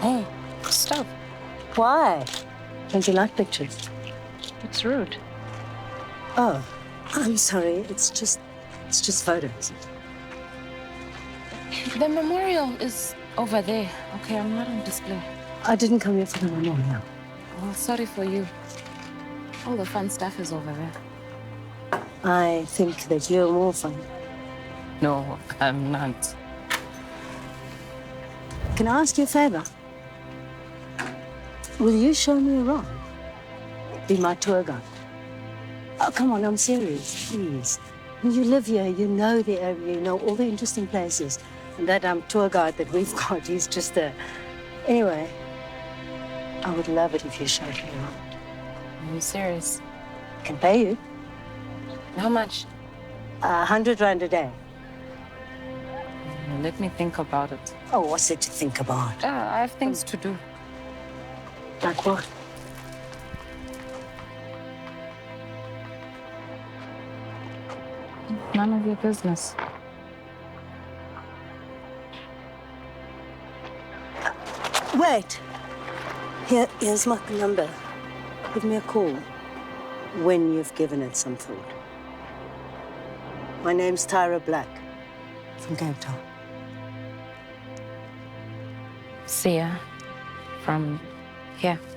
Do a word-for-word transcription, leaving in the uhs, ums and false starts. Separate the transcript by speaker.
Speaker 1: Hey, stop.
Speaker 2: Why? Don't you like pictures?
Speaker 1: It's rude.
Speaker 2: Oh, I'm sorry. It's just, it's just photos.
Speaker 1: The memorial is over there. Okay, I'm not on display.
Speaker 2: I didn't come here for the memorial.
Speaker 1: Well, sorry for you. All the fun stuff is over there.
Speaker 2: I think that you're more fun.
Speaker 1: No, I'm not.
Speaker 2: Can I ask you a favor? Will you show me around? Be my tour guide. Oh, come on, I'm serious, please. You live here, you know the area, you know all the interesting places. And that um, tour guide that we've got, he's just a... Anyway, I would love it if you showed me around.
Speaker 1: Are you serious?
Speaker 2: I can pay you.
Speaker 1: How much?
Speaker 2: A hundred rand a day.
Speaker 1: Let me think about it.
Speaker 2: Oh, what's it to think about?
Speaker 1: Ah, I have things to do.
Speaker 2: Like what?
Speaker 1: None of your business.
Speaker 2: Wait. Here, here's my number. Give me a call when you've given it some thought. My name's Tyra Black from Cape Town.
Speaker 1: See ya. From here.